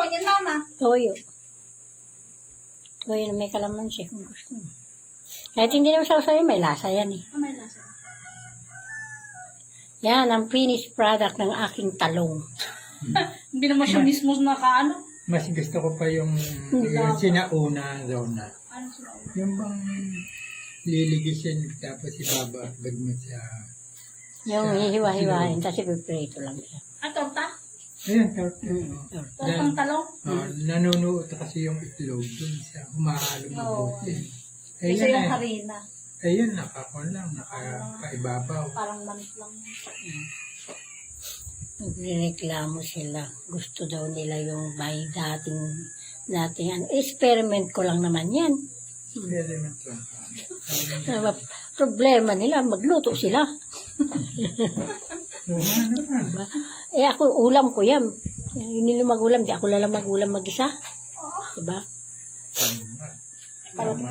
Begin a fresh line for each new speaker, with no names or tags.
tawag yan, mama?
Toyo. Toyo na may kalamansi kung gusto mo. Kahit hindi naman sausaw may lasa yan eh.
May lasa.
Yan ang finished product ng aking talong.
Hindi naman siya mismo nakaano.
Mas gusto ko pa yung sinauna zona.
Ano sila?
Yung bang liligisin tapos ibabagad mo sa...
Yung hihiwa-hiwain, kasi piprito lang siya.
Ah, torta?
Ayun, torta.
Tortang talong?
Nanunuot kasi yung itlog dun sa humahalo mabuti.
Isa yung harina.
Ayun, nakaibabaw.
Parang manit lang.
Nagreklamo sila. Gusto daw nila yung may dating ano. Experiment ko lang naman yan.
Experiment lang.
Problema nila, magluto sila. Diba? Eh ako, ulam ko yan. Hindi nila mag-ulam, di ako lang mag-ulam mag-isa. Diba?